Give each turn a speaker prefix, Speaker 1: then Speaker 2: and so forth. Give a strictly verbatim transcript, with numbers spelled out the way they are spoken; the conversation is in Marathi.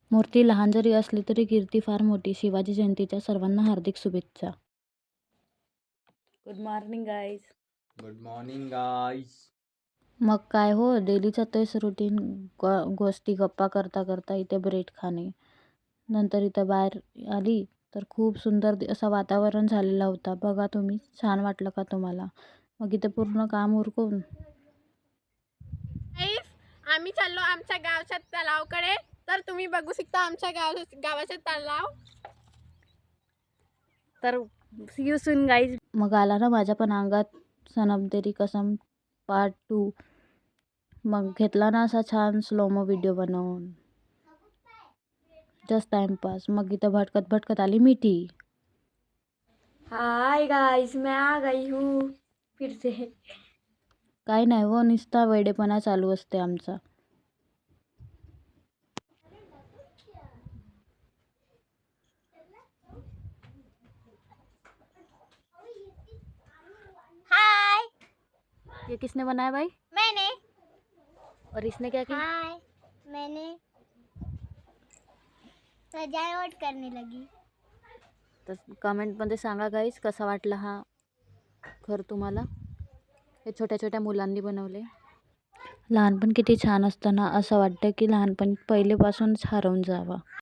Speaker 1: मूर्ती लहान जरी असली तरी कीर्ती फार मोठी. शिवाजी जयंतीच्या सर्वांना हार्दिक शुभेच्छा. Good morning guys.
Speaker 2: Good morning guys.
Speaker 1: मग काय हो, डेलीचं तेच रुटीन. गोष्टी गप्पा करता करता इथे ब्रेड खाणे. नंतर इथं बाहेर आली तर खूप सुंदर असं वातावरण झालेला होता. बघा तुम्ही, छान वाटलं का तुम्हाला? मग इथे पूर्ण काम उरकून
Speaker 3: आम्ही चाललो आमच्या गावच्या तलावाकडे. तर तुम्ही बघू शकता आमच्या गाव गावाचा तलाव. तर सी यू सून गाईज.
Speaker 1: मग आला ना माझ्या पण अंगात सनम तेरी कसम पार्ट टू. मग घेतला ना असा छान स्लोमो व्हिडिओ बनवून, जस्ट टाइमपास. मग इथं भटकत भटकत आली मिठी.
Speaker 3: हाय गाइस, मैं आ गई हूँ फिर से.
Speaker 1: काय नाही हो, नुसता वेडेपणा चालू असते आमचा.
Speaker 3: हाय.
Speaker 1: ये किसने बनाया भाई?
Speaker 3: मैंने.
Speaker 1: और इसने क्या किया?
Speaker 3: हाय. मैंने सजावट करने लगी.
Speaker 1: तर कमेंटमध्ये सांगा गाईस, कसा वाटला हा घर तुम्हाला. हे छोट्या छोट्या मुलांनी बनवले. लहानपण किती छान असतं ना, असं वाटतं की लहानपण पहिलेपासूनच हरवून जावं.